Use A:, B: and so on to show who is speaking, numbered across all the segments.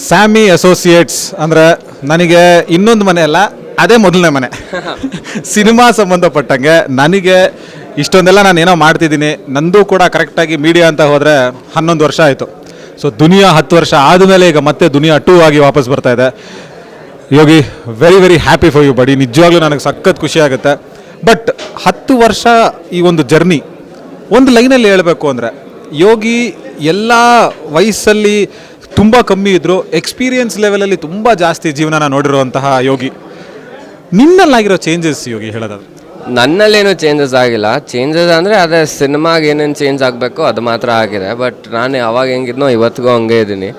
A: ಸ್ಯಾಮಿ associates ಅಂದರೆ ನನಗೆ ಇನ್ನೊಂದು ಮನೆ ಅಲ್ಲ, ಅದೇ ಮೊದಲನೇ ಮನೆ. ಸಿನಿಮಾ ಸಂಬಂಧಪಟ್ಟಂಗೆ ನನಗೆ ಇಷ್ಟೊಂದೆಲ್ಲ ನಾನು ಏನೋ ಮಾಡ್ತಿದ್ದೀನಿ. ನಂದು ಕೂಡ ಕರೆಕ್ಟಾಗಿ ಮೀಡಿಯಾ ಅಂತ ಹೋದರೆ 11 ವರ್ಷ ಆಯಿತು. ಸೊ ದುನಿಯಾ 10 ವರ್ಷ ಆದಮೇಲೆ ಈಗ ಮತ್ತೆ ದುನಿಯಾ 2 ಆಗಿ ವಾಪಸ್ ಬರ್ತಾ ಇದೆ. Yogi, very very happy for you buddy. ನಿಜವಾಗ್ಲೂ ನನಗೆ ಸಖತ್ ಖುಷಿ ಆಗುತ್ತೆ. ಬಟ್ 10 ವರ್ಷ ಈ ಒಂದು ಜರ್ನಿ ಒಂದು ಲೈನಲ್ಲಿ ಹೇಳಬೇಕು ಅಂದರೆ, ಯೋಗಿ ಎಲ್ಲ ವಯಸ್ಸಲ್ಲಿ ತುಂಬ ಕಮ್ಮಿ ಇದ್ದರು, ಎಕ್ಸ್ಪೀರಿಯನ್ಸ್ ಲೆವೆಲಲ್ಲಿ ತುಂಬ ಜಾಸ್ತಿ ಜೀವನನ ನೋಡಿರುವಂತಹ ಯೋಗಿ. ನಿನ್ನಲ್ಲಾಗಿರೋ ಚೇಂಜಸ್ ಯೋಗಿ ಹೇಳೋದಾದ್ರೆ?
B: ನನ್ನಲ್ಲೇನು ಚೇಂಜಸ್ ಆಗಿಲ್ಲ. ಚೇಂಜಸ್ ಅಂದರೆ ಅದೇ ಸಿನಿಮಾಗೆ ಏನೇನು ಚೇಂಜ್ ಆಗಬೇಕು ಅದು ಮಾತ್ರ ಆಗಿದೆ. ಬಟ್ ನಾನು ಅವಾಗ ಹೆಂಗಿದ್ನೋ ಇವತ್ತಿಗೂ ಹಂಗೆ ಇದ್ದೀನಿ.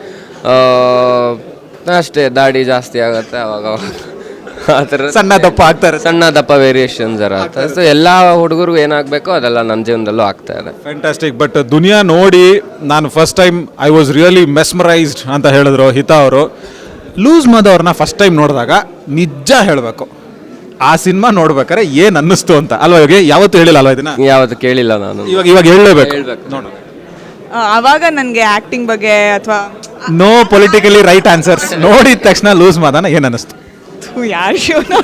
B: ಅಷ್ಟೇ, ದಾಡಿ ಜಾಸ್ತಿ ಆಗುತ್ತೆ ಅವಾಗ ಆ ಥರ.
A: ಸಣ್ಣ ದಪ್ಪ ಆಗ್ತಾರೆ,
B: ಸಣ್ಣ ದಪ್ಪ ವೇರಿಯೇಷನ್ಸ್ ಇರುತ್ತೆ. ಸೊ ಎಲ್ಲ ಹುಡುಗರಿಗೂ ಏನಾಗಬೇಕೋ ಅದೆಲ್ಲ ನನ್ನ ಜೀವನದಲ್ಲೂ ಆಗ್ತಾ ಇದೆ.
A: ಫ್ಯಾಂಟಾಸ್ಟಿಕ್. ಬಟ್ ದುನಿಯಾ ನೋಡಿ ನಾನು first time I was really mesmerised ಅಂತ ಹೇಳಿದ್ರು ಹಿತಾ ಅವರು. ಲೂಸ್ ಮಾದವ್ರನ್ನ ಫಸ್ಟ್ ಟೈಮ್ ನೋಡಿದಾಗ ನಿಜ ಹೇಳಬೇಕು, ಆ ಸಿನಿಮಾ ನೋಡ್ಬೇಕಾದ್ರೆ ಏನು ಅನ್ನಿಸ್ತು ಅಂತ ಅಲ್ವಾ ಯೋಗಿ? ಯಾವತ್ತೂ ಹೇಳಿಲ್ಲ ಅಲ್ವಾ ಇದನ್ನ?
B: ಯಾವತ್ತು ಕೇಳಿಲ್ಲ ನಾನು.
A: ಇವಾಗ ಹೇಳಲೇಬೇಕು. ನೋಡು,
C: ಆವಾಗ ನನಗೆ ಆ್ಯಕ್ಟಿಂಗ್ ಬಗ್ಗೆ ಅಥವಾ
A: ನೋ ಪೊಲಿಟಿಕಲಿ ರೈಟ್ ಆನ್ಸರ್ಸ್. ನೋಡಿದ ತಕ್ಷಣ ಲೂಸ್ ಮಾದನ ಏನು ಅನ್ನಿಸ್ತು?
C: ಯಾರು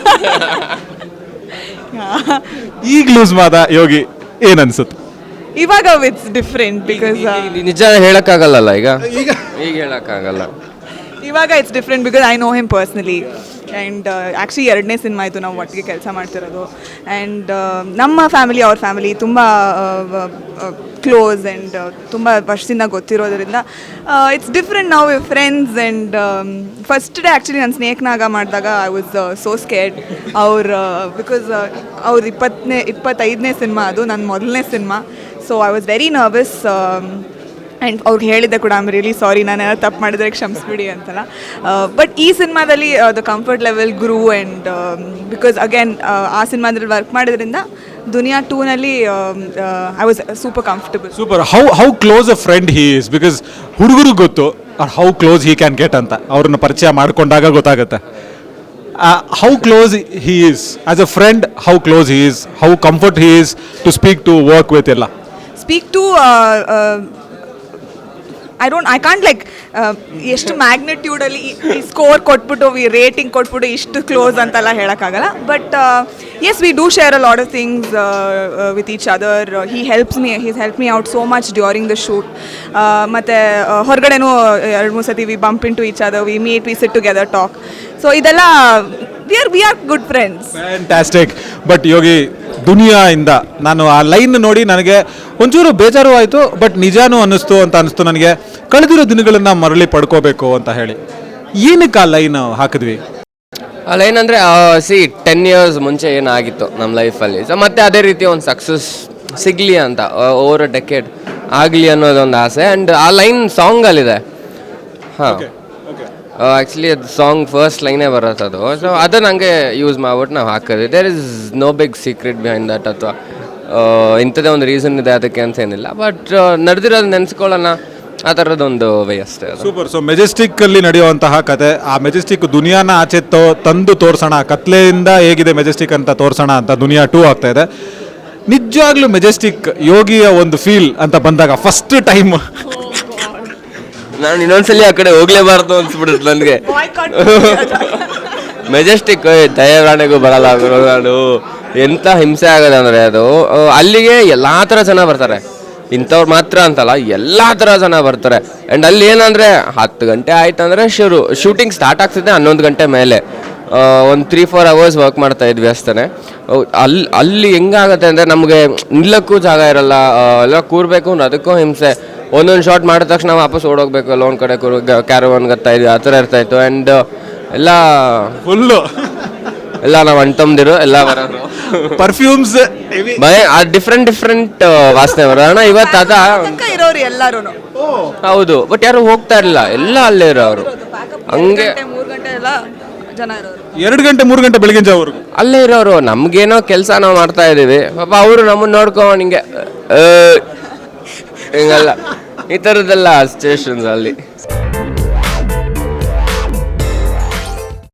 A: ಈಗ ಲೂಸ್ ಮಾದ ಯೋಗಿ ಏನು ಅನ್ಸುತ್ತೆ?
C: ಇವಾಗ ಇಟ್ಸ್ ಡಿಫ್ರೆಂಟ್ ಬಿಕಾಸ್
B: ನಿಜ ಹೇಳಕ್ಕಾಗಲ್ಲ ಈಗ ಹೇಳಕ್ಕಾಗಲ್ಲ.
C: ಇವಾಗ it's different because I know him personally. And actually 2ನೇ ಸಿನಿಮಾ ಆಯಿತು ನಾವು ಒಟ್ಟಿಗೆ ಕೆಲಸ ಮಾಡ್ತಿರೋದು. ಆ್ಯಂಡ್ ನಮ್ಮ ಫ್ಯಾಮಿಲಿ ಅವ್ರ ಫ್ಯಾಮಿಲಿ ತುಂಬ ಕ್ಲೋಸ್ ಆ್ಯಂಡ್ ತುಂಬ ವರ್ಷದಿಂದ ಗೊತ್ತಿರೋದ್ರಿಂದ ಇಟ್ಸ್ ಡಿಫ್ರೆಂಟ್. ನಾವು friends. And first day actually ನಾನು ಸ್ನೇಕ್ನಾಗ ಮಾಡಿದಾಗ I was so scared. Because ಅವ್ರ 25ನೇ ಸಿನಿಮಾ, ಅದು ನನ್ನ ಮೊದಲನೇ cinema. So I was very nervous. And ಅವ್ರಿಗೆ ಹೇಳಿದ್ದೆ ಕೂಡ, ಐ ಆಮ್ ರಿಯಲಿ ಸಾರಿ, ನಾನು ಏನಾದ್ರು ತಪ್ಪು ಮಾಡಿದ್ರೆ ಕ್ಷಮಿಸ್ಬಿಡಿ ಅಂತಲ್ಲ. ಬಟ್ ಈ ಸಿನಿಮಾದಲ್ಲಿ the comfort level grew. And because again ಆ ಸಿನಿಮಾದಲ್ಲಿ ವರ್ಕ್ ಮಾಡೋದ್ರಿಂದ ದುನಿಯಾ 2ನಲ್ಲಿ I was super comfortable.
A: Super. How close a friend he is. Because ಹುಡುಗರಿಗೆ ಗೊತ್ತು how close he can get ಅಂತ. ಅವ್ರನ್ನ ಪರಿಚಯ ಮಾಡ್ಕೊಂಡಾಗ ಗೊತ್ತಾಗುತ್ತೆ how close he is as a friend, how close he is, how comfort he is to speak to, work with ಎಲ್ಲ.
C: Speak to I can't like ಎಷ್ಟು ಮ್ಯಾಗ್ನಿಟ್ಯೂಡಲ್ಲಿ ಈ ಸ್ಕೋರ್ ಕೊಟ್ಬಿಟ್ಟು ರೇಟಿಂಗ್ ಕೊಟ್ಬಿಟ್ಟು ಇಷ್ಟು ಕ್ಲೋಸ್ ಅಂತೆಲ್ಲ ಹೇಳೋಕ್ಕಾಗಲ್ಲ. But yes, we do share a lot of things with each other. He's help me out so much during the shoot. ಮತ್ತು ಹೊರಗಡೆನೂ 2-3 ಸತಿ we bump in to each other, we meet, we sit together, talk. So ಇದೆಲ್ಲ we are good friends.
A: Fantastic. But Yogi, ದುನಿಯಾಯಿಂದ ನಾನು ಆ line ನೋಡಿ ನನಗೆ ಒಂಚೂರು ಬೇಜಾರು ಆಯಿತು, ಬಟ್ ನಿಜಾನೂ ಅನ್ನಿಸ್ತು ನನಗೆ. ಕಳೆದಿರೋ ದಿನಗಳನ್ನು ಮರಳಿ ಪಡ್ಕೋಬೇಕು ಅಂತ ಹೇಳಿ ಏನಕ್ಕೆ ಆ ಲೈನ್ ಹಾಕಿದ್ವಿ?
B: ಆ ಲೈನ್ ಅಂದರೆ 10 years ಮುಂಚೆ ಏನಾಗಿತ್ತು ನಮ್ಮ ಲೈಫಲ್ಲಿ, ಸೊ ಮತ್ತೆ ಅದೇ ರೀತಿ ಒಂದು ಸಕ್ಸಸ್ ಸಿಗಲಿ ಅಂತ, ಓವರ್ ಅ ಡೆಕೆಡ್ ಆಗಲಿ ಅನ್ನೋದೊಂದು ಆಸೆ. ಆ್ಯಂಡ್ ಆ ಲೈನ್ ಸಾಂಗಲ್ಲಿದೆ. ಹಾಂ, ಆ್ಯಕ್ಚುಲಿ ಅದು ಸಾಂಗ್ ಫಸ್ಟ್ ಲೈನೇ ಬರುತ್ತೆ ಅದು. ಸೊ ಅದನ್ನು ಹಂಗೆ ಯೂಸ್ ಮಾಡ್ಬಿಟ್ಟು ನಾವು ಹಾಕೋದು. There is no big secret behind that, ಅಥವಾ ಇಂಥದ್ದೇ ಒಂದು ರೀಸನ್ ಇದೆ ಅದಕ್ಕೆ ಅಂತ ಏನಿಲ್ಲ. ಬಟ್ ನಡೆದಿರೋದು ನೆನೆಸ್ಕೊಳ್ಳೋಣ, ಆ ಥರದ್ದೊಂದು ವೇ ಅಷ್ಟೇ ಅದು.
A: ಸೂಪರ್. ಸೊ ಮೆಜೆಸ್ಟಿಕ್ಕಲ್ಲಿ ನಡೆಯುವಂತಹ ಕತೆ, ಆ ಮೆಜೆಸ್ಟಿಕ್ ದುನಿಯಾನ ಆಚೆ ತಂದು ತೋರಿಸೋಣ, ಕತ್ಲೆಯಿಂದ ಹೇಗಿದೆ ಮೆಜೆಸ್ಟಿಕ್ ಅಂತ ತೋರಿಸೋಣ ಅಂತ ದುನಿಯಾ 2 ಆಗ್ತಾ ಇದೆ. ನಿಜವಾಗ್ಲೂ ಮೆಜೆಸ್ಟಿಕ್ ಯೋಗಿಯ ಒಂದು ಫೀಲ್ ಅಂತ ಬಂದಾಗ ಫಸ್ಟ್ ಟೈಮ್
B: ನಾನು ಇನ್ನೊಂದ್ಸಲಿ ಆ ಕಡೆ ಹೋಗ್ಲೇಬಾರ್ದು ಅನ್ಸ್ಬಿಡುತ್ತೆ ನನಗೆ. ಮೆಜೆಸ್ಟಿಕ್ ದಯವಾಣೆಗೂ ಬರಲ್ಲ ನಾನು. ಎಂಥ ಹಿಂಸೆ ಆಗೋದು ಅಂದರೆ ಅದು, ಅಲ್ಲಿಗೆ ಎಲ್ಲ ಥರ ಜನ ಬರ್ತಾರೆ, ಇಂಥವ್ರು ಮಾತ್ರ ಅಂತಲ್ಲ, ಎಲ್ಲ ಥರ ಜನ ಬರ್ತಾರೆ. ಆ್ಯಂಡ್ ಅಲ್ಲಿ ಏನಂದರೆ 10 ಗಂಟೆ ಆಯ್ತು ಅಂದರೆ ಶೂಟಿಂಗ್ ಸ್ಟಾರ್ಟ್ ಆಗ್ತಿದೆ 11 ಗಂಟೆ ಮೇಲೆ. ಒಂದು 3-4 hours ವರ್ಕ್ ಮಾಡ್ತಾ ಇದ್ವಿ ಅಷ್ಟೇ. ಅಲ್ಲಿ ಹೆಂಗಾಗುತ್ತೆ ಅಂದರೆ ನಮಗೆ ನಿಲ್ಲಕ್ಕೂ ಜಾಗ ಇರಲ್ಲ, ಎಲ್ಲ ಕೂರಬೇಕು ಅಂದ್ರೆ ಅದಕ್ಕೂ ಹಿಂಸೆ. ಒಂದೊಂದು ಶಾರ್ಟ್ ಮಾಡಿದ ತಕ್ಷಣ ವಾಪಸ್ ಓಡೋಗ್ಬೇಕು, ಎಲ್ಲ ಒಂದು ಕಡೆ ಕ್ಯಾರವಾನ್ ಗತ್ತಾ ಇದ್ವಿ, ಆ ಥರ ಇರ್ತಾಯಿತ್ತು. ಆ್ಯಂಡ್ ಎಲ್ಲ ಫುಲ್ಲು ಎಲ್ಲ ನಾವು ಅಣ್ತಂದಿರು ಎಲ್ಲ ಬರೋದು,
A: ಪರ್ಫ್ಯೂಮ್ಸ್
B: ಡಿಫ್ರೆಂಟ್ ವಾಸನೆ ಬರೋಣ. ಇವತ್ತು ಅದ
C: ಇರೋರು ಎಲ್ಲರೂ
B: ಹೌದು, ಬಟ್ ಯಾರು ಹೋಗ್ತಾ ಇರಲಿಲ್ಲ, ಎಲ್ಲ ಅಲ್ಲೇ ಇರೋರು. ಹಂಗೆ
C: 3 ಗಂಟೆ ಎಲ್ಲ ಜನ ಇರೋರು,
A: 2 ಗಂಟೆ 3 ಗಂಟೆ ಬೆಳಗಿನ ಜಾವವರೆಗೂ
B: ಅಲ್ಲೇ ಇರೋರು. ನಮಗೇನೋ ಕೆಲಸ ನಾವು ಮಾಡ್ತಾ ಇದ್ದೀವಿ, ಪಾಪ ಅವರು ನಮ್ಮನ್ನು ನೋಡ್ಕೊಂಡು ಹಿಂಗೆ ಹಿಂಗಲ್ಲ, ಈ ಥರದ್ದೆಲ್ಲ ಸಿಚುವೇಶನ್ಸ್ ಅಲ್ಲಿ.